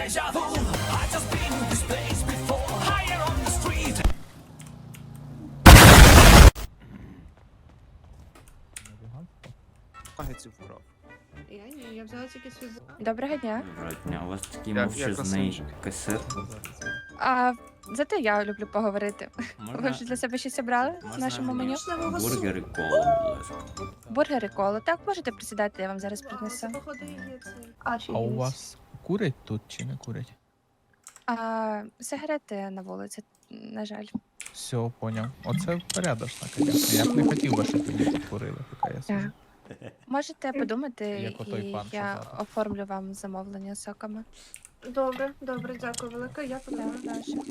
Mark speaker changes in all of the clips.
Speaker 1: Нагетсів вкрав.
Speaker 2: Я ні, я взяла тільки свій
Speaker 3: Доброго дня.
Speaker 4: Доброго дня, у вас такий
Speaker 1: Як
Speaker 4: мовчазний
Speaker 1: красунчик.
Speaker 4: касир.
Speaker 3: А зате я люблю поговорити. Ви
Speaker 4: Можна,
Speaker 3: вже для себе щось обрали в нашому меню?
Speaker 4: бургер і колу, будь ласка.
Speaker 3: Бургери, коло. Так, можете присідати, я вам зараз принесу.
Speaker 2: Походу є це.
Speaker 5: А у вас курять тут чи не курять?
Speaker 3: А сигарети на вулиці, на жаль.
Speaker 5: Все, поняв. Оце порядочно, звісно. Я б не хотів би, щоб ви тут курили, поки я сижу.
Speaker 3: Можете подумати,
Speaker 5: Як отой
Speaker 3: і
Speaker 5: пан, що
Speaker 3: я
Speaker 5: зараз.
Speaker 3: оформлю вам замовлення соками.
Speaker 2: Добре, добре, дякую велике. Я
Speaker 3: Так,
Speaker 2: подумаю.
Speaker 3: прошу.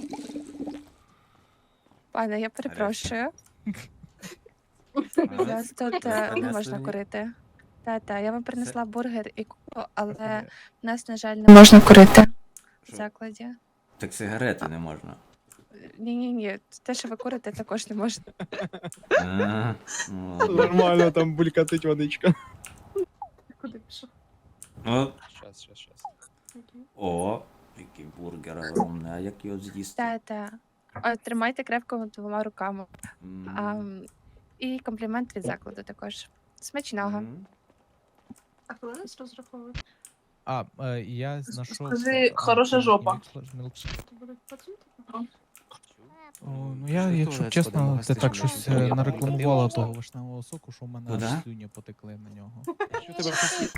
Speaker 3: Пане, я перепрошую. У вас тут не можна курити. Та, я вам принесла бургер і колу, але в нас, на жаль, не можна курити в
Speaker 4: Що?
Speaker 3: закладі.
Speaker 4: Так сигарети не можна.
Speaker 3: Ні, те, що ви курите, також не можна.
Speaker 4: А, ну, ладно.
Speaker 1: Нормально, там булькатить водичка.
Speaker 2: Куди пішов?
Speaker 4: О,
Speaker 1: Щас.
Speaker 4: о, який бургер огромний, а як його з'їсти?
Speaker 3: Та. Тримайте крепко двома руками.
Speaker 4: М,
Speaker 3: І комплімент від закладу також. Смачного.
Speaker 4: м.
Speaker 2: А коли нас розраховують?
Speaker 5: Я знайшов...
Speaker 6: Скажи, хороша жопа.
Speaker 2: То будуть пацюнти?
Speaker 5: Ну я, якщо чесно, ти так щось нарекламувала того вишневого соку, що в мене
Speaker 4: Куда?
Speaker 5: аж слюні потекли на нього.
Speaker 1: Що тебе хотів?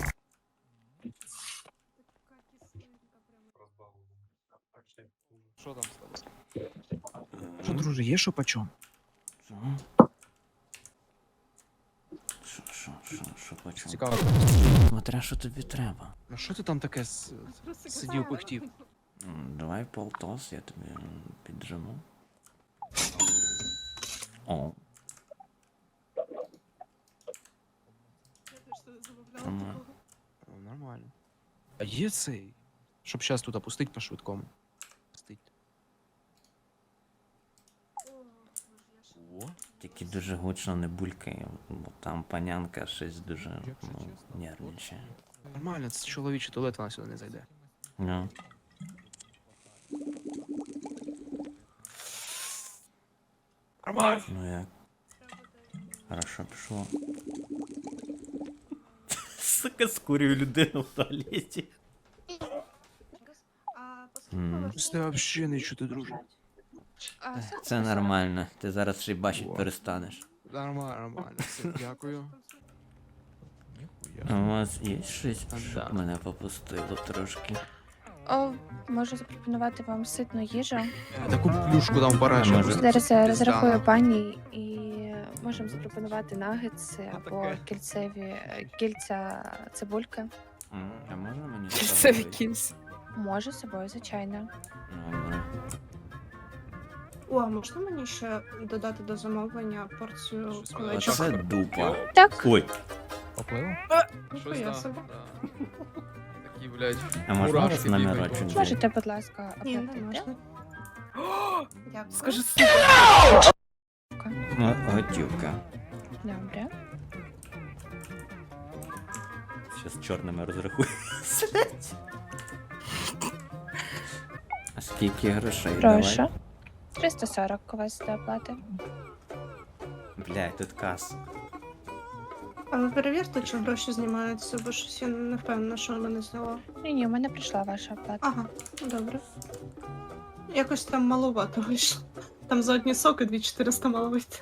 Speaker 1: Що там з тобою? Що, друже, є що почом?
Speaker 4: Що? Що почому?
Speaker 1: Цікаво.
Speaker 4: Смотря, що тобі треба.
Speaker 1: Ну що ти там таке сидів, пихтів?
Speaker 4: Давай полтос, я тобі піджиму. О, нормально.
Speaker 1: Нормально. А є цей? Щоб зараз тут опустить по швидкому. Пустить. О,
Speaker 4: Тільки дуже гучно не булькає, бо там панянка щось дуже нервничає.
Speaker 1: нормально, це чоловічий туалет, вона сюди не зайде.
Speaker 4: Ну.
Speaker 1: Нормально.
Speaker 4: Ну як? Хорошо пішло. Сука, скурюю людину в туалеті.
Speaker 2: А
Speaker 4: Мгм.
Speaker 1: Це взагалі не чути, друже.
Speaker 4: Це нормально, ти зараз ще й бачить перестанеш.
Speaker 1: Нормально. Все, дякую.
Speaker 4: А у вас є щось,
Speaker 1: Да.
Speaker 4: щоб мене попустило трошки?
Speaker 3: Можу запропонувати вам ситну їжу.
Speaker 1: Таку плюшку там парашу.
Speaker 4: Може.
Speaker 3: Зараз я розрахую пані і можемо запропонувати нагетси або кільця цибульки.
Speaker 4: А можна мені з
Speaker 6: Це
Speaker 4: собою?
Speaker 6: якийсь.
Speaker 3: Можу з собою, звичайно.
Speaker 4: Добре.
Speaker 2: О, а можна мені ще додати до замовлення порцію
Speaker 1: Щось
Speaker 2: кулечок?
Speaker 4: Оце дупа.
Speaker 3: Так,
Speaker 4: Ой,
Speaker 5: Попливо?
Speaker 2: Ніхуя собі.
Speaker 1: Такі, блядь.
Speaker 4: а можна
Speaker 1: Мурашки
Speaker 4: вас номерочок
Speaker 1: бігають.
Speaker 4: взяти?
Speaker 3: можете, будь ласка,
Speaker 2: Ні, не
Speaker 3: оплатити.
Speaker 2: можна. Дякую.
Speaker 6: Скажи, сука.
Speaker 4: Ну, готівка.
Speaker 3: Добре.
Speaker 4: Щас чорними розрахую. А скільки грошей?
Speaker 3: Прошу.
Speaker 4: Давай.
Speaker 3: 340 у вас до оплати.
Speaker 4: Блядь, тут кас.
Speaker 2: А ви перевірте, чи гроші знімаються, бо щось я не впевнена, що мене зняло.
Speaker 3: Ні, у мене прийшла ваша оплата.
Speaker 2: Ага, добре. Якось там маловато вийшло. Там за одні соки 2400 мало вийти.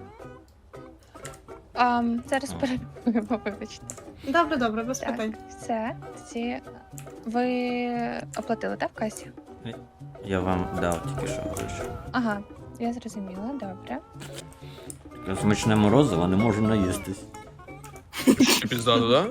Speaker 3: Зараз
Speaker 4: О.
Speaker 3: перевіримо, вибачте.
Speaker 2: Добре, без
Speaker 3: Так,
Speaker 2: питань.
Speaker 3: все. Ви оплатили, так, в касі?
Speaker 4: Я вам дав тільки що гроші.
Speaker 3: Ага, я зрозуміла, добре.
Speaker 4: Я смачне морозиво, не можу наїстись.
Speaker 1: Піздато, да?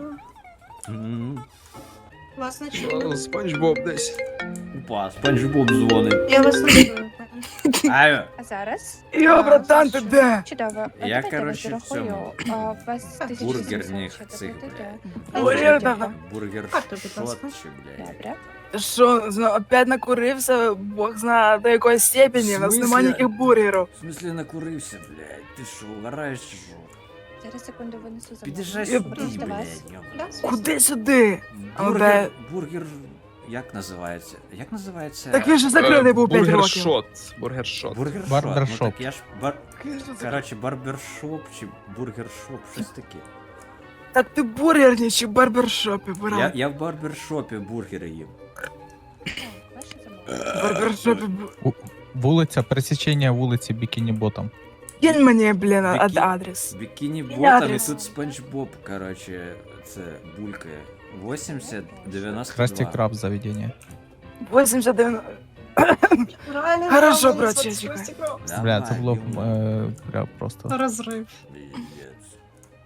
Speaker 2: Вас не чую.
Speaker 1: Спанч Боб десь.
Speaker 4: Опа, Спанч Боб дзвонить.
Speaker 2: Я вас не чую, пані.
Speaker 4: Алло.
Speaker 3: А зараз?
Speaker 6: Йо, братан, ти де?
Speaker 3: Чудово.
Speaker 4: Я,
Speaker 3: Давайте
Speaker 4: коротше,
Speaker 3: вас
Speaker 4: в цьому.
Speaker 3: зарахую. У вас 1700
Speaker 4: Бургерних
Speaker 3: ще
Speaker 4: цих,
Speaker 3: доплатити.
Speaker 4: блядь.
Speaker 6: Бургер давай.
Speaker 4: Бургер
Speaker 2: Карту, будь
Speaker 4: шот
Speaker 2: ласка.
Speaker 4: чи, блядь.
Speaker 3: Добре.
Speaker 6: Що, опять накурився, бог знає до якої степені, у нас
Speaker 4: В
Speaker 6: нема
Speaker 4: смысле?
Speaker 6: ніяких бургерів.
Speaker 4: В смысле накурився, блядь? Ти що, угораєш чи що?
Speaker 3: Зараз секунду винесу
Speaker 4: Під'їжджай
Speaker 3: замовлення.
Speaker 4: сюди,
Speaker 3: Просто вас.
Speaker 4: блядь. йоп.
Speaker 2: Да, звісно.
Speaker 6: Куди сюди? А ну
Speaker 4: Бургер, бургер Як називається? Як називається?
Speaker 6: Так він же закритий був 5 років.
Speaker 1: Бургершот.
Speaker 4: Бургершоп.
Speaker 5: Барбершоп.
Speaker 4: Ну, так я ж Коротше, барбершоп чи бургершоп, щось таке.
Speaker 6: Так ти бургерні чи барбершопі, брат?
Speaker 4: Я в барбершопі бургери їм.
Speaker 3: Бачиш, замовлення?
Speaker 6: Барбершопі.
Speaker 5: Вулиця, пересічення вулиці Бікіні Ботом.
Speaker 6: Кинь мені, блін,
Speaker 4: Бікі-
Speaker 6: адрес.
Speaker 4: Бікіні
Speaker 6: Я
Speaker 4: ботом і
Speaker 6: адрес.
Speaker 4: тут Спанч Боб, коротше, це булькає. 80, 92.
Speaker 5: Красті Краб заведення.
Speaker 6: 89.
Speaker 2: Реально,
Speaker 6: Хорошо,
Speaker 2: реально,
Speaker 6: брат,
Speaker 2: це
Speaker 6: я чекаю.
Speaker 2: просто кров.
Speaker 5: Бля, це було
Speaker 4: Давай,
Speaker 5: бля, просто.
Speaker 2: Розрив.
Speaker 4: Пиздец.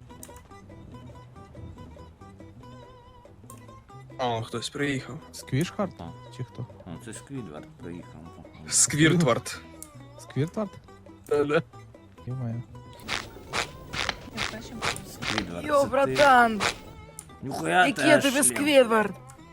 Speaker 1: О, хтось приїхав.
Speaker 5: Сквішхард?
Speaker 4: А.
Speaker 5: Чи хто?
Speaker 4: О, це Сквідвард приїхав.
Speaker 1: Сквіртвард.
Speaker 5: Сквіртвард?
Speaker 1: Да-да.
Speaker 5: Ё-моё.
Speaker 3: Я першим.
Speaker 4: Сквідвард,
Speaker 6: Йо,
Speaker 4: це ти?
Speaker 6: братан,
Speaker 4: Ніхуя
Speaker 6: який
Speaker 4: ти
Speaker 6: я тобі
Speaker 4: шлем.
Speaker 6: Сквідвард?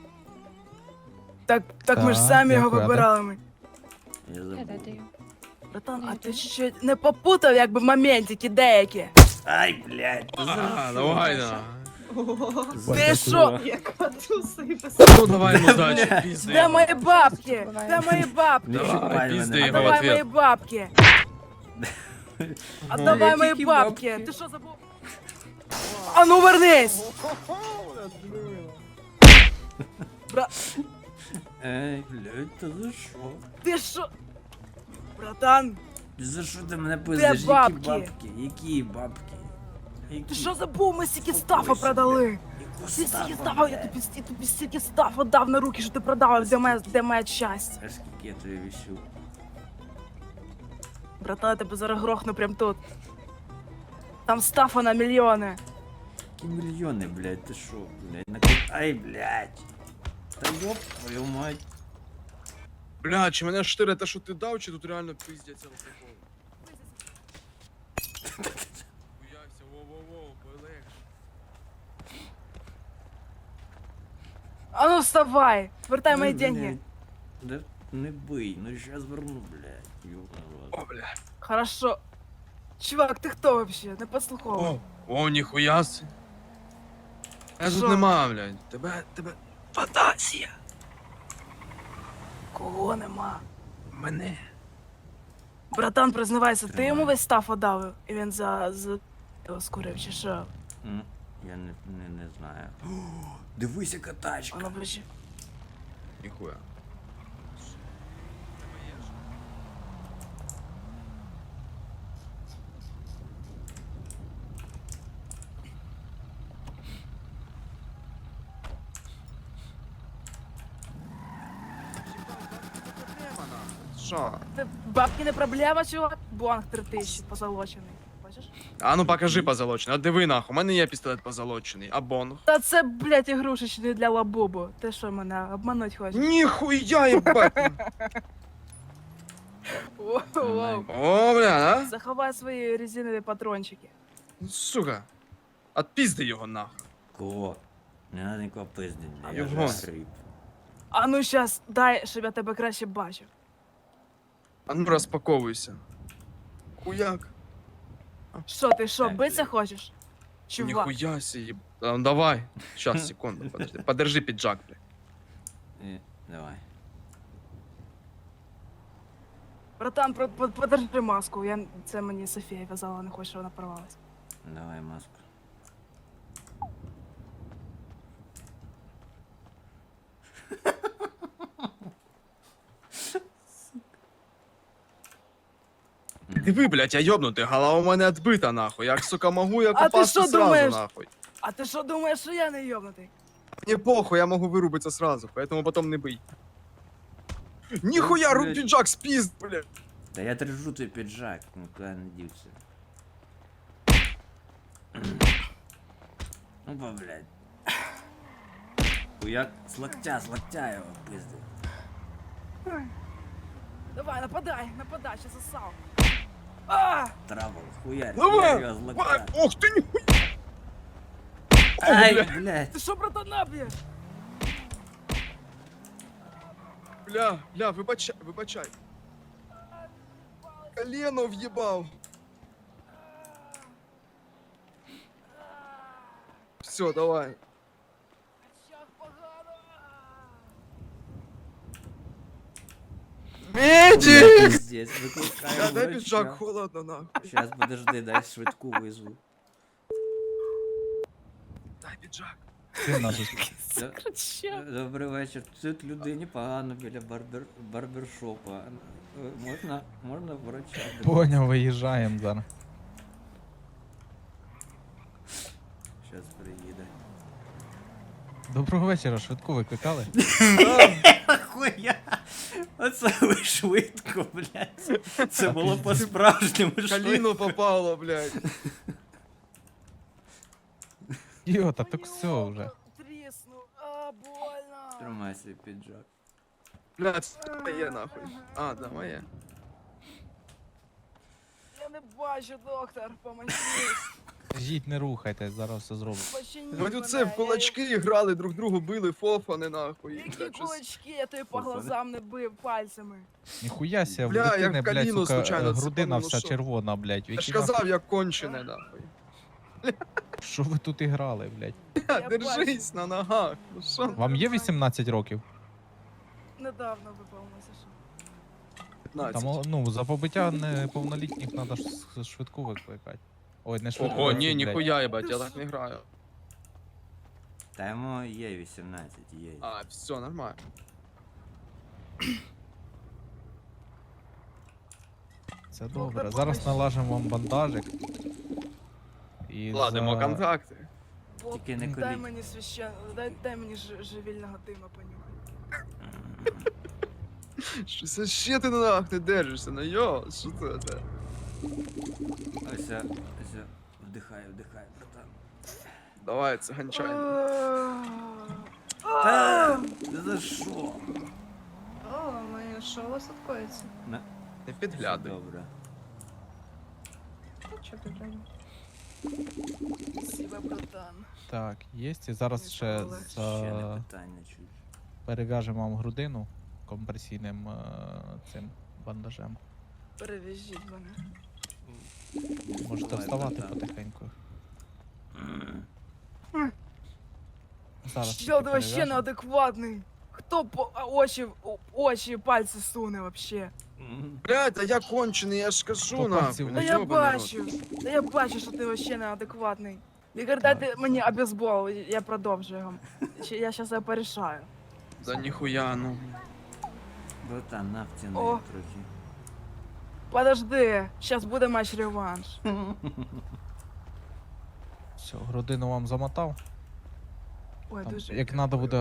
Speaker 6: Так ми ж
Speaker 5: Так,
Speaker 6: самі його
Speaker 5: дякую, а де?
Speaker 6: вибирали ми.
Speaker 4: Я
Speaker 3: Я
Speaker 4: забув.
Speaker 3: даю.
Speaker 6: Братан, а ти ще не попутав, якби моментики деякі?
Speaker 4: Ай, блядь. ти
Speaker 1: А,
Speaker 4: за
Speaker 1: давай,
Speaker 4: що?
Speaker 1: да.
Speaker 2: Ого.
Speaker 6: Ти що?
Speaker 2: Яка туса і без...
Speaker 1: Ну давай, ну дачі, пізди.
Speaker 6: Де мої бабки? Де мої бабки?
Speaker 4: Не
Speaker 1: Давай,
Speaker 4: чіпай
Speaker 1: пізди
Speaker 4: мене.
Speaker 6: А
Speaker 1: його в
Speaker 6: давай мої
Speaker 1: ответ.
Speaker 6: бабки. А
Speaker 4: Ну,
Speaker 6: давай
Speaker 4: які
Speaker 6: мої бабки.
Speaker 4: бабки?
Speaker 6: Ти що забув? А ну вернись!
Speaker 4: Ей, блядь, та за що?
Speaker 6: Ти що? Братан,
Speaker 4: За що ти мене пиздиш? Які
Speaker 6: бабки?
Speaker 4: бабки? Які бабки?
Speaker 6: ти
Speaker 4: Які?
Speaker 6: що забув? Ми стільки
Speaker 4: Спокойся,
Speaker 6: стафа продали.
Speaker 4: Яку
Speaker 6: Ти стільки
Speaker 4: стафу,
Speaker 6: стафа, я
Speaker 4: блядь?
Speaker 6: тобі стільки стафа дав на руки, що ти продав, де моє щастя.
Speaker 4: А скільки я тобі вісю?
Speaker 6: Братан, я тебе зараз грохну прям тут. Там стафа на мільйони.
Speaker 4: Які мільйони, блядь, ти що, блядь, Ай, блядь. Та ёб твою мать.
Speaker 1: Бля, чи мене штире те, що ти дав, чи тут реально пиздяться алкоголь? Хуявся, воу-воу-воу, полегше.
Speaker 6: А ну вставай, вертай мої
Speaker 4: Ну,
Speaker 6: деньги.
Speaker 4: блядь. Да не бий, ну щас верну, блядь. Ёбаный рот.
Speaker 1: О, бля.
Speaker 6: Хорошо. Чувак, ти хто вообще? Не послуховуй.
Speaker 1: О, ніхуя си. Я
Speaker 6: Що?
Speaker 1: тут нема, блядь. Тебе фантазія.
Speaker 6: Кого нема?
Speaker 1: Мене.
Speaker 6: Братан, признавайся, ти
Speaker 4: Тримай.
Speaker 6: йому весь стаф отдав, і він за його скурив, чи що?
Speaker 4: Я не знаю. О, дивись, яка тачка.
Speaker 6: Воно ближче.
Speaker 1: Ніхуя. Що?
Speaker 6: Ти бабки не проблема, чувак? Бонг 3000 позолочений. Бачиш?
Speaker 1: А ну покажи позолочений. А диви нахуй, у мене є пістолет позолочений. А бонг?
Speaker 6: Та це, блядь, ігрушечний для лабубу. Ти що мене обмануть хочеш?
Speaker 1: Ніхуя, єбать!
Speaker 6: Воу-воу.
Speaker 1: О, бля, а?
Speaker 6: Заховай свої резинові патрончики.
Speaker 1: Ну, сука. Отпізди його нахуй.
Speaker 4: Кого? Не надо нікого пиздить, блядь. Я
Speaker 1: Його.
Speaker 4: вже хрип.
Speaker 6: А ну щас, дай, щоб я тебе краще бачив.
Speaker 1: А ну розпаковуйся. Хуяк.
Speaker 6: Що ти, що,
Speaker 4: Так,
Speaker 6: биться
Speaker 4: блядь.
Speaker 6: хочеш? Чувак.
Speaker 1: Ніхуя сі. А, ну давай. Щас, секунду, подожди. Подержи піджак, блядь.
Speaker 4: Давай.
Speaker 6: Братан, подержи маску. Це мені Софія в'язала, не хочу, щоб вона порвалась.
Speaker 4: Давай маску.
Speaker 1: Диви, блядь, я йобнутий, голова у мене відбита, нахуй. Як, сука, могу, я
Speaker 6: А ти
Speaker 1: попасти
Speaker 6: що
Speaker 1: сразу,
Speaker 6: думаєш?
Speaker 1: нахуй.
Speaker 6: А ти що думаєш, що я не йобнутий?
Speaker 1: Мне похуй, я могу вырубиться сразу, поэтому потом не бый. Нихуя, рук
Speaker 4: Блядь.
Speaker 1: пиджак спиз, блядь.
Speaker 4: Да я держу твій піджак, нікуди не дівся. Ну, ба, блядь. Хуяк з локтя його пиздив.
Speaker 6: Давай, нападай, ще засав. А!
Speaker 4: Травол, хуярь,
Speaker 1: Давай,
Speaker 4: його з
Speaker 1: Ай,
Speaker 4: локтя.
Speaker 1: ох ты, нихуя.
Speaker 4: Ай, блядь.
Speaker 6: Ти що, братана, б'єш?
Speaker 1: Бля, вибачай. Колено въебал. Все, давай.
Speaker 6: Щах погано.
Speaker 1: Медик!
Speaker 4: Пиздец, викликаю
Speaker 1: Дай піджак,
Speaker 4: врача.
Speaker 1: холодно, нахуй.
Speaker 4: Щас, подожди, дай швидку визву.
Speaker 1: Дай піджак.
Speaker 5: Сильно ж.
Speaker 4: Добрий вечір. Тут людині погано біля барбершопа. Можна врача?
Speaker 5: Поняв, виїжджаємо зараз.
Speaker 4: Щас приїде.
Speaker 5: Доброго вечора, швидку викликали?
Speaker 4: Хуя! Оце ви швидко, блядь. Це було по-справжньому швидко.
Speaker 1: Коліно попало, блядь.
Speaker 5: Йота, так все вже.
Speaker 6: Тріснув, а, больно.
Speaker 4: Тримай свій піджак.
Speaker 1: Блядь, це моє, нахуй. А, да, моє.
Speaker 6: Я не бачу, доктор, поможіть.
Speaker 5: Жіть, не рухайтесь, зараз все зроблю.
Speaker 6: Починіть
Speaker 1: Вони
Speaker 6: мене,
Speaker 1: це в
Speaker 6: я-
Speaker 1: кулачки грали, друг другу били, фофани, нахуй.
Speaker 6: Які
Speaker 1: Блядь, щось-
Speaker 6: кулачки, я тобі по
Speaker 4: Фу,
Speaker 6: глазам не бив пальцями.
Speaker 5: Ніхуя ся, в
Speaker 1: Бля, я
Speaker 5: дитини,
Speaker 1: в
Speaker 5: блядь,
Speaker 1: коліно
Speaker 5: сука,
Speaker 1: случайно
Speaker 5: грудина
Speaker 1: цепанув,
Speaker 5: вся
Speaker 1: що?
Speaker 5: червона, блядь.
Speaker 1: Я ж
Speaker 5: Які
Speaker 1: казав, як кончене, нахуй.
Speaker 5: Що ви тут і грали, блядь?
Speaker 6: Я
Speaker 1: Держись на ногах. Ну що?
Speaker 5: Вам є 18 років?
Speaker 6: Недавно виповнилося, що.
Speaker 1: 15.
Speaker 5: Там, ну, за побиття неповнолітніх треба ж швидку викликати. Ой, не швидку.
Speaker 1: Ого,
Speaker 5: а цю,
Speaker 1: ні,
Speaker 5: блядь.
Speaker 1: ніхуя, ебать, я так не граю.
Speaker 4: Та йому є 18, є.
Speaker 1: А, все, нормально.
Speaker 5: Це добре. Зараз налажимо вам бандажик. І
Speaker 1: Ладимо
Speaker 5: за...
Speaker 1: контакти.
Speaker 6: Бог,
Speaker 4: Тільки не
Speaker 6: дай
Speaker 4: куріть.
Speaker 6: мені дай мені живільного дима понюхати.
Speaker 1: Щось ще ти на ногах не держишся, ну йо, що це?
Speaker 4: Ось, вдихай, братан.
Speaker 1: Давай, це ганчай.
Speaker 4: Та, за що?
Speaker 2: О, моє, що у вас тут коїться?
Speaker 1: Не підглядай.
Speaker 4: Добре.
Speaker 2: Що ти глянь?
Speaker 6: Спасибо, братан.
Speaker 5: Так, є. І зараз ще
Speaker 6: Полегше.
Speaker 4: Ще не
Speaker 5: за...
Speaker 4: питання чуть.
Speaker 5: перев'яжемо вам грудину компресійним цим бандажем.
Speaker 6: Перев'яжіть мене.
Speaker 5: Можете
Speaker 4: Давай,
Speaker 5: вставати
Speaker 4: братан.
Speaker 5: потихеньку.
Speaker 6: М.
Speaker 5: Зараз
Speaker 6: Що
Speaker 5: тільки
Speaker 6: ти вообще
Speaker 5: перев'яжемо.
Speaker 6: неадекватний? Хто очі пальці суне вообще?
Speaker 1: Блядь, а я кончений, я ж кажу,
Speaker 5: По
Speaker 1: нахуй.
Speaker 5: пальцю
Speaker 1: ну
Speaker 6: Та
Speaker 5: Ой,
Speaker 6: я
Speaker 1: ёбаний рот.
Speaker 6: бачу, та я бачу, що ти вообще неадекватний. Лікар, дайте мені обезбол, я продовжую його. Я щас його порішаю.
Speaker 1: Да ніхуя, ну.
Speaker 4: Братан, на втяни
Speaker 6: О.
Speaker 4: трохи.
Speaker 6: Подожди, щас буде матч реванш.
Speaker 5: Все, грудину вам замотав.
Speaker 6: Ой,
Speaker 5: Там,
Speaker 6: дуже.
Speaker 5: як треба буде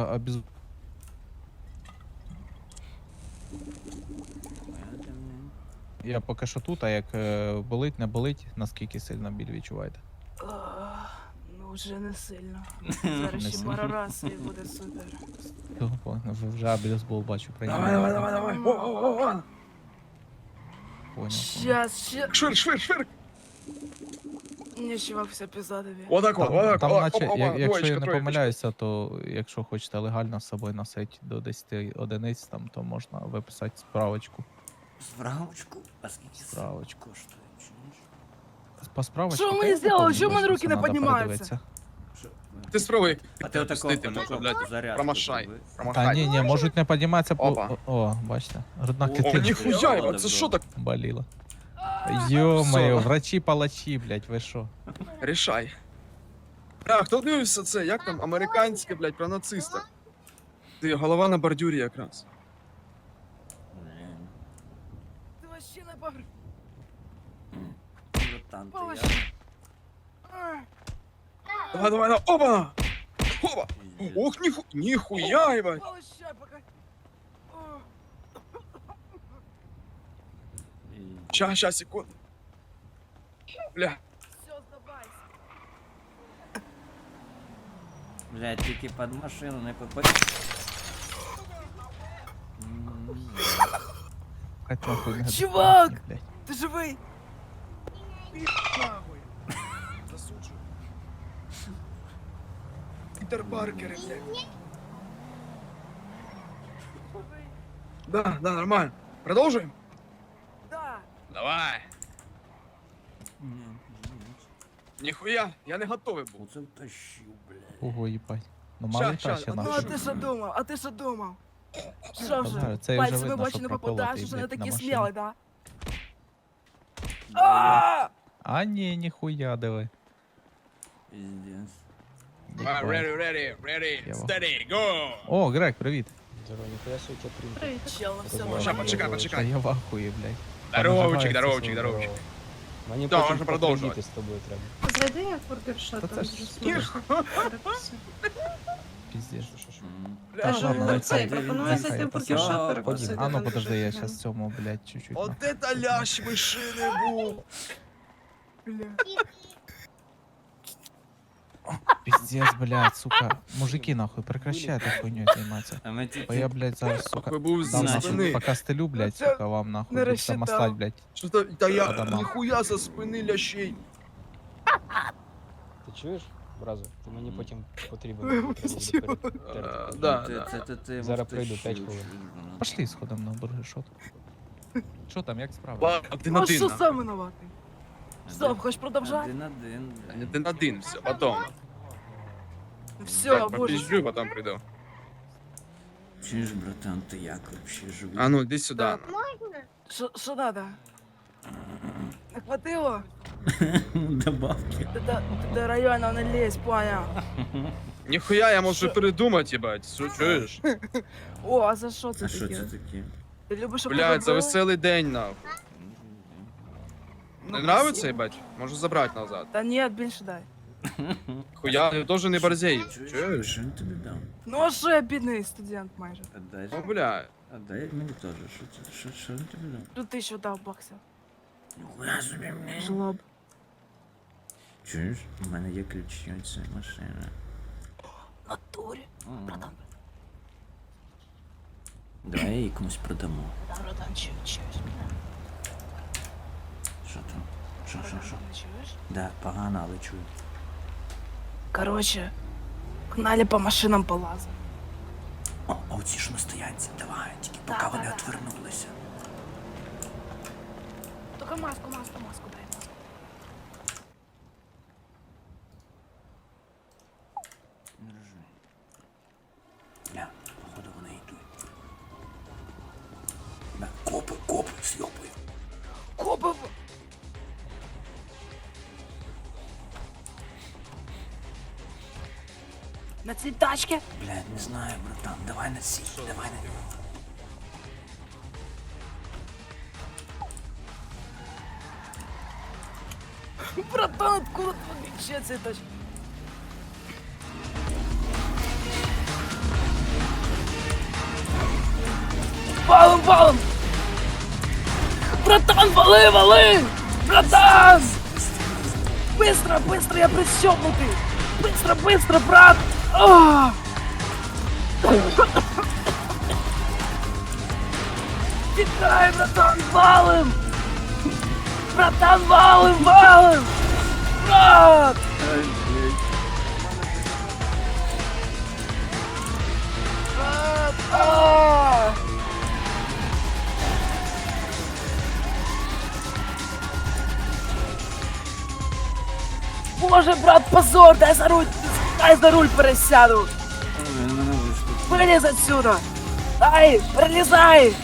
Speaker 5: Я поки що тут, а як болить, не болить, наскільки сильно біль відчуваєте?
Speaker 6: Ну вже не сильно.
Speaker 5: Не
Speaker 6: Зараз ще
Speaker 5: сильно.
Speaker 6: пару раз і буде супер.
Speaker 5: Ви вже абілізбол бачу прийняли.
Speaker 1: Давай. О.
Speaker 5: Поняв.
Speaker 6: Щас.
Speaker 1: Швир, швир, швир.
Speaker 6: Ні, чувак, все пізадові.
Speaker 1: Отак,
Speaker 5: Там,
Speaker 1: отак,
Speaker 5: там
Speaker 1: отак.
Speaker 5: наче,
Speaker 1: Опа,
Speaker 5: якщо я
Speaker 1: двоєчка,
Speaker 5: не
Speaker 1: троєчка.
Speaker 5: помиляюся, то якщо хочете легально з собою носити до 10 одиниць, там, то можна виписати справочку.
Speaker 4: Справочку? А скільки
Speaker 5: Справочку.
Speaker 4: коштує? Чуєш?
Speaker 5: По справочці.
Speaker 6: Що ви
Speaker 5: та
Speaker 6: мені
Speaker 5: я не
Speaker 6: зробили?
Speaker 5: пам'ятаю,
Speaker 6: Чому в мене
Speaker 5: що
Speaker 6: руки не
Speaker 5: надо
Speaker 6: піднімаються?
Speaker 5: передивитися.
Speaker 4: Що?
Speaker 1: Ти спробуй.
Speaker 4: А ти отакого
Speaker 1: Пустити можна, блядь.
Speaker 4: зарядку
Speaker 1: Промашай.
Speaker 4: зроби.
Speaker 5: Та
Speaker 1: Промахай.
Speaker 5: ні, можуть не підніматися,
Speaker 1: Опа.
Speaker 5: о, бачите, грудна
Speaker 1: О,
Speaker 5: клітина
Speaker 1: ніхуя, ебать, це що так?
Speaker 5: боліла. Йо-моє,
Speaker 1: Все.
Speaker 5: врачі-палачі, блядь, ви що?
Speaker 1: Рішай. А, хто дивився це? Як там? Американське, блядь, про нациста. Ти голова на бордюрі якраз.
Speaker 4: Блін.
Speaker 6: Ти вообще не погр...
Speaker 4: Братан, ти
Speaker 6: Палич.
Speaker 1: Давай, давай, давай. Опа! Опа!
Speaker 4: я...
Speaker 1: Ох, ніхуя, ебать.
Speaker 6: Получай, пока. О,
Speaker 1: Щас, секунду. Бля.
Speaker 6: все, здавайся.
Speaker 4: Блядь, тільки під машину не попади.
Speaker 5: Хай нахуй не
Speaker 6: Чувак!
Speaker 5: блядь.
Speaker 6: Ти живий?
Speaker 1: Нахуй. Засуджу. Питер Паркер, блядь.
Speaker 6: Живий?
Speaker 1: Да, нормально. Продовжуємо?
Speaker 6: Да.
Speaker 1: Давай.
Speaker 4: Ні.
Speaker 1: Ніхуя, я не готовий був.
Speaker 4: Оце втащив, блядь.
Speaker 5: Ого, їбать. Ну малий
Speaker 1: Ща,
Speaker 5: та ще
Speaker 1: а
Speaker 6: Ну,
Speaker 5: наш.
Speaker 6: а ти що думав? А ти що думав? Що вже?
Speaker 5: Знаю, це вже
Speaker 6: Пальцями в
Speaker 5: видно,
Speaker 6: очі
Speaker 5: що
Speaker 6: не
Speaker 5: проколотий,
Speaker 6: попадаєш, вже не
Speaker 5: блядь, на
Speaker 6: такий
Speaker 5: машині.
Speaker 6: смілий, да?
Speaker 5: А ні, ніхуя, диви.
Speaker 4: Пиздец.
Speaker 1: Ready,
Speaker 5: Я
Speaker 1: steady, go!
Speaker 5: О, Грег, привіт.
Speaker 2: Привіт.
Speaker 6: Чел, на всьому.
Speaker 1: Ща,
Speaker 5: Та
Speaker 1: почекай.
Speaker 5: я в ахуї, блядь.
Speaker 1: Здоровчик,
Speaker 5: Понаживається
Speaker 1: здоровчик.
Speaker 7: Мені
Speaker 1: Да,
Speaker 7: потім
Speaker 1: можна продовжувати.
Speaker 7: з тобою треба.
Speaker 2: Зайди я в бургершот,
Speaker 5: Та
Speaker 2: там
Speaker 5: це ж
Speaker 2: дуже смачно. Перекуси.
Speaker 5: Піздєш.
Speaker 1: Бля,
Speaker 5: Так, ладно,
Speaker 2: Цей,
Speaker 5: давай,
Speaker 2: пропоную
Speaker 5: давай,
Speaker 2: зайти в
Speaker 5: давай,
Speaker 2: бургершот,
Speaker 4: давай.
Speaker 2: перекусити.
Speaker 5: А ну
Speaker 2: там
Speaker 5: подожди,
Speaker 2: дуже
Speaker 5: я
Speaker 2: офігенно.
Speaker 5: щас цьому, блядь, чуть-чуть.
Speaker 1: От это лящ мишиний був!
Speaker 6: Бля.
Speaker 5: Піздец, блядь, сука. Мужики, нахуй, прекращайте хуйню займатися.
Speaker 4: А ми
Speaker 5: Бо
Speaker 4: тільки...
Speaker 5: я, блядь, зараз, сука,
Speaker 1: Ви був
Speaker 5: дам
Speaker 1: зі
Speaker 5: нахуй,
Speaker 1: спини.
Speaker 5: пока стелю, блядь,
Speaker 6: Це
Speaker 5: сука, вам нахуй,
Speaker 6: не
Speaker 5: будете
Speaker 6: розчитав.
Speaker 5: мастать, блядь.
Speaker 1: Що то, та я
Speaker 5: Адамо.
Speaker 1: ніхуя за спини лящей.
Speaker 7: Ти чуєш, Бразо? Ти мені потім потрібен.
Speaker 6: Вибачте.
Speaker 7: Треба буде перетерти.
Speaker 1: Да,
Speaker 4: Ти-
Speaker 1: да.
Speaker 4: ти
Speaker 7: Зараз
Speaker 4: вовточив,
Speaker 7: прийду, 5 хвилин.
Speaker 4: ну.
Speaker 5: Пошли сходом на бургершот. Що там, як справа?
Speaker 1: Один
Speaker 6: Ну що
Speaker 1: один.
Speaker 6: сам винуватий? Стоп, хочеш продовжати?
Speaker 4: Один.
Speaker 1: Один один, все, потом.
Speaker 6: Все,
Speaker 1: Так,
Speaker 6: боже.
Speaker 1: попизжу, потом приду.
Speaker 4: Чуєш, братан, ти як вообще живий?
Speaker 1: А ну, иди сюда.
Speaker 6: Що надо? Не хватило?
Speaker 4: Добавки.
Speaker 6: Ти до району не лезь, понял?
Speaker 1: Нихуя, я можу
Speaker 6: Що?
Speaker 1: передумати, ебать. Що чуєш?
Speaker 6: О, а за що це
Speaker 4: А що
Speaker 6: таке?
Speaker 4: це таке?
Speaker 6: Ти любиш, щоб
Speaker 1: Блядь, за
Speaker 6: тебе
Speaker 1: веселий день, нахуй.
Speaker 6: Ну,
Speaker 1: Не нравиться, ебать? Можу забрати назад.
Speaker 6: Та ні, більше дай.
Speaker 1: Хуя, я теж не борзею.
Speaker 4: Чуєш?
Speaker 1: Чуєш?
Speaker 4: Що він тобі дав?
Speaker 6: Ну а що я бідний студент майже?
Speaker 4: Отдай.
Speaker 1: Ну, бля.
Speaker 4: Отдай мені теж. Що він тобі дав?
Speaker 6: Тут 1000 дав баксів.
Speaker 4: Ніхуя собі, блядь.
Speaker 6: Жлоб.
Speaker 4: Чуєш? У мене є ключі від цієї машини.
Speaker 6: Натурі. Братан,
Speaker 4: Давай я її комусь продамо.
Speaker 6: братан, чуєш?
Speaker 4: Що там? Що?
Speaker 6: Чуєш?
Speaker 4: Да, погано, але чую.
Speaker 6: Короче, погнали по машинам полазим.
Speaker 4: О, а оці ж на стоянці, давай, тільки
Speaker 6: Да,
Speaker 4: поки
Speaker 6: да,
Speaker 4: вони
Speaker 6: да.
Speaker 4: отвернулися.
Speaker 6: Только маску дай.
Speaker 4: Не рожи. Бля, походу вони йдуть. Бля, копи, з'йобую.
Speaker 6: Копи! На цій тачці?
Speaker 4: Блядь, не знаю, братан, давай на сі, давай на нього.
Speaker 6: Братан, откуда ты вообще ця тачка? Валом! Братан, вали! Братан! Быстро, я пристёгнутый! Быстро, брат! А! Тікай, братан, валим! Братан, валим! Брат! Брат! А! Боже, брат, позор! Дай за руль пересяду! Вылез отсюда! Дай, пролезай!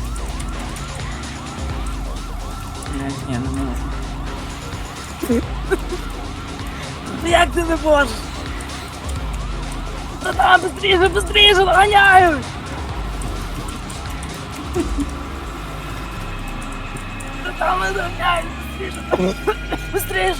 Speaker 4: Блядь, ні, не можу.
Speaker 6: Ну як ти не можеш? Братан, быстрее, догоняють! Братан, не догоняють! Быстрее!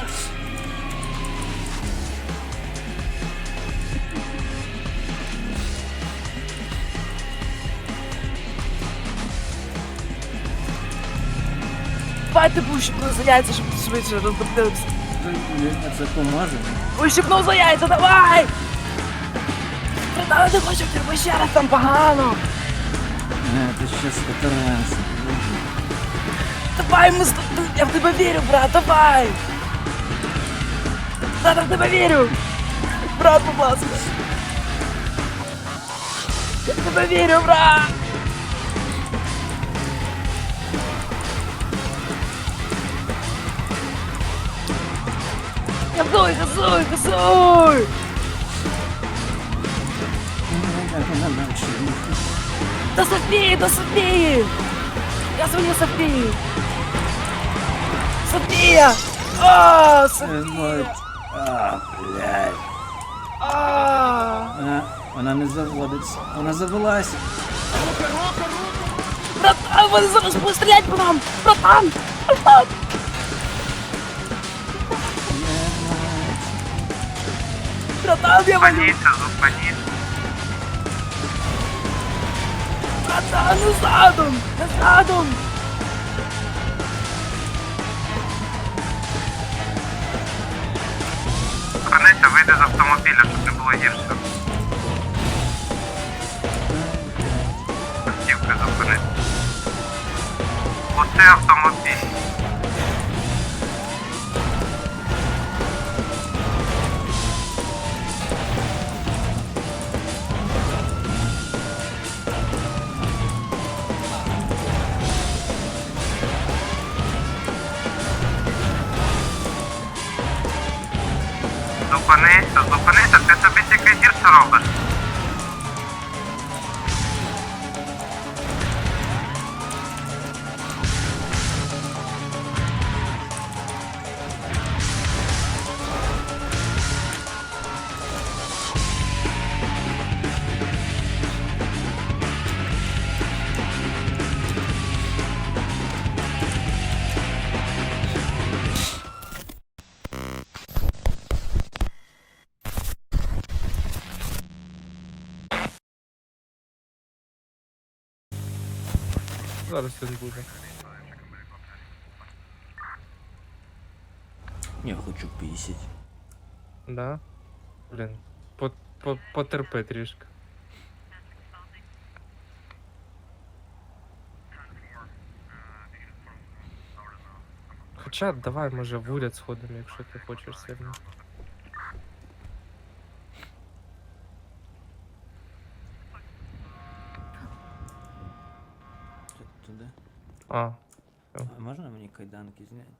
Speaker 6: Давай ти ущипнув за яйця, щоб швидше роздоптився.
Speaker 4: Блядь, це поможе.
Speaker 6: Ущипнув за яйця, давай! Братан, ти хочеш тебе ще раз там погано!
Speaker 4: Не, ти щас катаранся.
Speaker 6: Давай, я в тебе вірю, брат, давай! Брат, я в тебе вірю! Брат, будь ласка! Я в тебе вірю, брат! Газуй!
Speaker 4: Блядь, вона наче.
Speaker 6: До Софії, до Софії! Я дзвоню Софії! Софія! О, Софія!
Speaker 4: Блядь. Вона не заводиться. Вона завелась.
Speaker 6: Братан, вони зараз будуть стріляти по нам! Братан! Братан! Братан, я валю! Братан, не задом! Не задом!
Speaker 8: Зупинися, вийди з автомобіля, щоб не було гірше. Автівки зупинити. Оце автомобіль. Зупинися, зупинися, ти собі тільки гірше робиш.
Speaker 7: Зараз він буде.
Speaker 4: Я хочу пісять.
Speaker 7: Да? Блін. Потерпи трішки. Хоча давай, може, в уряд сходимо, якщо ти хочеш сильно.
Speaker 4: Туди.
Speaker 7: А,
Speaker 4: А можна мені кайданки зняти?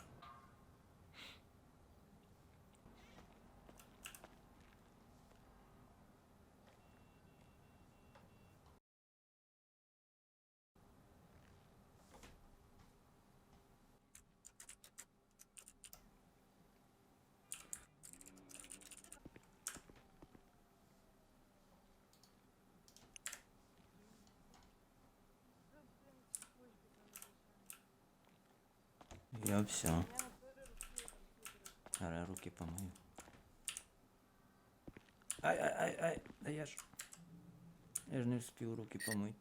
Speaker 4: Я все. Зараз руки помию. Ай, да я ж не встиг руки помити.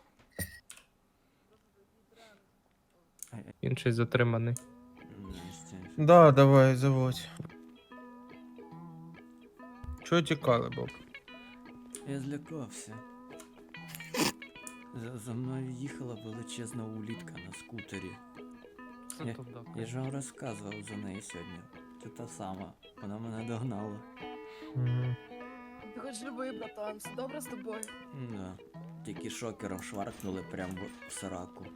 Speaker 7: інший затриманий.
Speaker 9: Да, давай, заводь. Чого тікали, Боб?
Speaker 4: Я злякався. За мною їхала величезна улітка на скутері. Я ж вам розказував за неї сьогодні. Це та сама. Вона мене догнала.
Speaker 6: Ти хоч живий, братан, все добре з тобою?
Speaker 4: Да. Тільки шокером шваркнули прямо в сраку.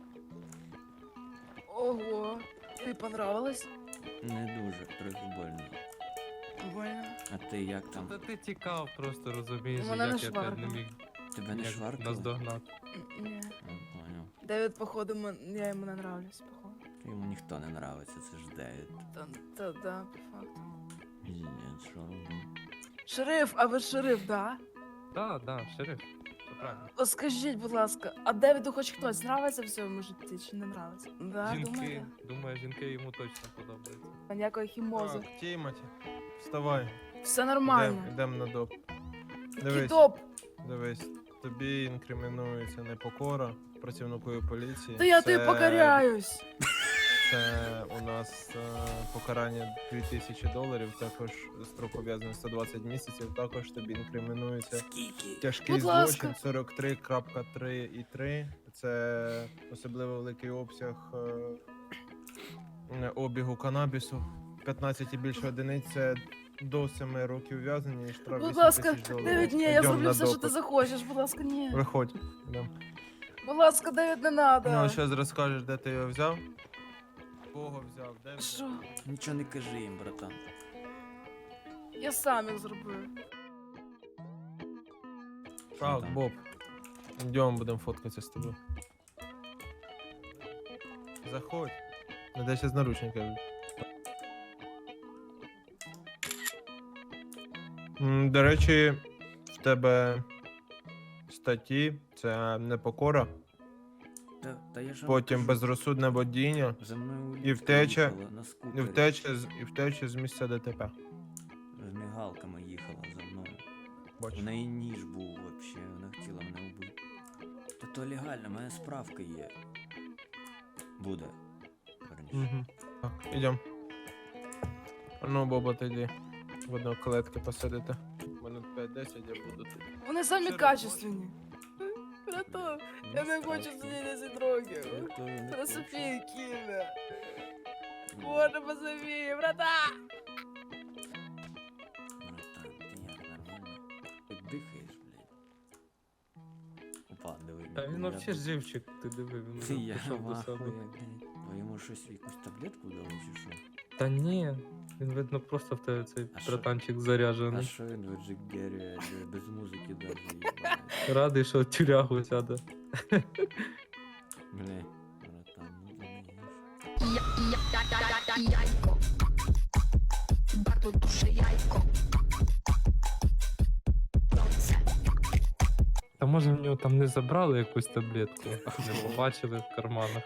Speaker 6: Ого, тобі понравилось?
Speaker 4: Не дуже, трохи больно.
Speaker 6: Больно.
Speaker 4: А ти як там?
Speaker 7: Та ти тікав просто, розумієш,
Speaker 6: Мене не
Speaker 7: як я тебе не
Speaker 6: шваркнуло.
Speaker 7: міг
Speaker 4: Тебе не
Speaker 7: як
Speaker 4: шваркнули?
Speaker 7: наздогнати.
Speaker 6: Ні.
Speaker 4: Я понял.
Speaker 6: Девід, походу, я йому не нравлюсь, походу.
Speaker 4: Йому ніхто не нравиться, це ж Девід.
Speaker 6: Да, по факту.
Speaker 4: Ні, що робимо?
Speaker 6: Шериф, а ви шериф, да?
Speaker 7: Да, шериф. Все правильно.
Speaker 6: От скажіть, будь ласка, а Девіду хоч хтось нравиться в цьому житті чи не нравиться? Да,
Speaker 7: Жінки,
Speaker 6: думаєте?
Speaker 7: думаю, жінки йому точно подобаються.
Speaker 6: Ніякої хімози.
Speaker 9: Так, Тімоті, вставай.
Speaker 6: Все нормально.
Speaker 9: Йдем на доп.
Speaker 6: Який топ?
Speaker 9: Дивись, тобі інкримінується непокора працівникові поліції.
Speaker 6: Та я тобі покоряюсь.
Speaker 9: Це у нас покарання $2000, також строк ув'язнення 120 місяців, також тобі інкримінується
Speaker 4: Скільки?
Speaker 9: тяжкий
Speaker 6: Будь ласка.
Speaker 9: злочин 43.3.3. Це особливо великий обсяг обігу канабісу. 15 і більше одиниць це до 7 років ув'язнення і штраф
Speaker 6: Будь
Speaker 9: 8
Speaker 6: ласка,
Speaker 9: тисяч доларів.
Speaker 6: Девід, ні, я
Speaker 9: Йдем
Speaker 6: зроблю
Speaker 9: на
Speaker 6: все, що
Speaker 9: допит.
Speaker 6: ти захочеш. Будь ласка, ні.
Speaker 9: Виходь. Йдем.
Speaker 6: Будь ласка, Девід, не надо.
Speaker 9: Ну, зараз розкажеш, де ти його взяв. Кого взяв, де взяв.
Speaker 6: Що?
Speaker 4: Нічого не кажи їм, братан.
Speaker 6: Я сам їх зробив.
Speaker 9: Так,
Speaker 4: там?
Speaker 9: Боб. Йдемо, будемо фоткатися з тобою. Заходь. Надо зараз наручники. До речі, в тебе статті це непокора,
Speaker 4: Та я ж вам
Speaker 9: потім
Speaker 4: кажу,
Speaker 9: безрозсудне водіння
Speaker 4: за мною
Speaker 9: і
Speaker 4: улітка
Speaker 9: втеча,
Speaker 4: їхала на
Speaker 9: і
Speaker 4: скутері.
Speaker 9: втеча з місця ДТП.
Speaker 4: З мігалками їхала за мною. У
Speaker 9: Бачу.
Speaker 4: неї ніж був вообще, вона хотіла мене вбити. Та то легально, в мене справка є. Буде. Верніше.
Speaker 9: Угу. Так, ідем. А ну, Боба, тоді в одну клетки посадити. Минут 5-10 я буду тут.
Speaker 6: Вони самі
Speaker 9: Що
Speaker 6: качественні. Братан, я не
Speaker 4: Ну,
Speaker 6: хочу
Speaker 4: страшно.
Speaker 6: сидіти 10 років.
Speaker 4: Я то не
Speaker 6: Про
Speaker 4: хочу.
Speaker 6: Софію кине.
Speaker 4: Ну,
Speaker 6: Боже, по Софії, братан!
Speaker 4: Братан, ти як нормально? Хоч дихаєш, блядь. Опа, диви.
Speaker 7: Та він
Speaker 4: я
Speaker 7: вообще
Speaker 4: тут-
Speaker 7: живчик, ти диви, він
Speaker 4: Ти
Speaker 7: вже
Speaker 4: я
Speaker 7: пішов до себе.
Speaker 4: вахує, блядь. Бо йому щось, якусь таблетку дали чи що?
Speaker 7: Та ні, він видно просто в тебе цей
Speaker 4: А що?
Speaker 7: братанчик
Speaker 4: А
Speaker 7: заряджений.
Speaker 4: що він в Джиггері без музики даже їбать?
Speaker 7: Радий, що тюрягу сяде.
Speaker 4: Бля, братан, ну ти не їж.
Speaker 10: Яйко. Bardzo duże jajko.
Speaker 7: Та може в нього там не забрали якусь таблетку, не побачили в карманах.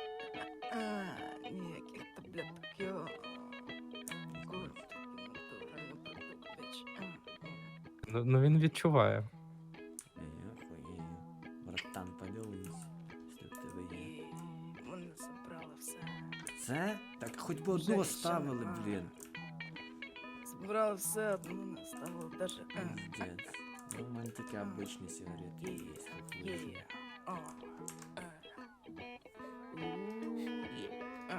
Speaker 6: Ніяких таблеток, йо. Курт, натуральний продукт, біч.
Speaker 7: Ну він відчуває.
Speaker 4: Я охуєю. Братан, поділись, якщо в тебе є.
Speaker 6: Вони забрали все.
Speaker 4: Це? Так хоч би
Speaker 6: Вже
Speaker 4: одну
Speaker 6: що
Speaker 4: оставили,
Speaker 6: нема.
Speaker 4: блін.
Speaker 6: Забрали все, одну не ставили даже.
Speaker 4: Пиздец. Ну, у мене такі обичні сигарети є, тут
Speaker 6: Є.
Speaker 4: лежать.
Speaker 6: О. Є.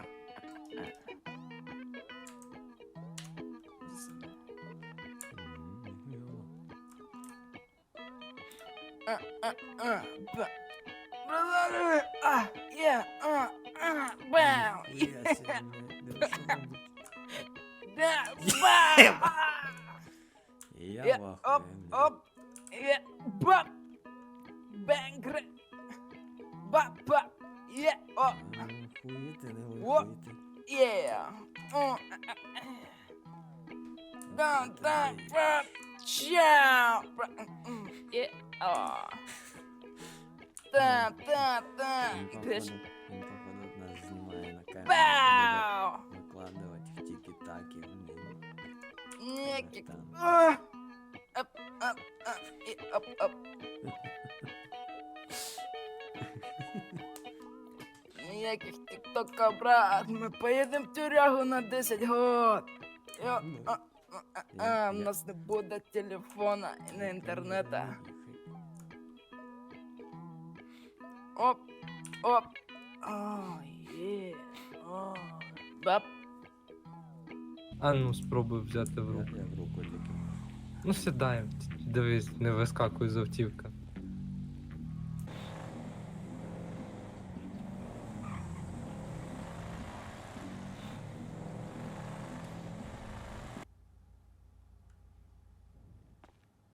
Speaker 4: Ніхуя.
Speaker 6: Братаны, бам,
Speaker 4: Ніхуя себе, блядь. Да що робить?
Speaker 6: да, бам,
Speaker 4: Я
Speaker 6: оп,
Speaker 4: вахую, блядь.
Speaker 6: оп, бам, бэнгрэ, ба, о,
Speaker 4: Хуїти, не
Speaker 6: О.
Speaker 4: хуїти.
Speaker 6: да, бам, чау, о, та,
Speaker 4: Він походу нас знімає на камеру.
Speaker 6: бау,
Speaker 4: Буде викладувати в тікі-такі, блін.
Speaker 6: некик,
Speaker 4: Братан.
Speaker 6: оп. Ніяких тіктока, брат, ми поїдемо в тюрягу на 10 год. Йо, в нас не буде телефона і не інтернету. Оп, оп. О, є. О, бап.
Speaker 7: А ну спробуй взяти в руку.
Speaker 4: Я в руку тільки.
Speaker 7: Ну сідай, дивись, не вискакуй з автівка.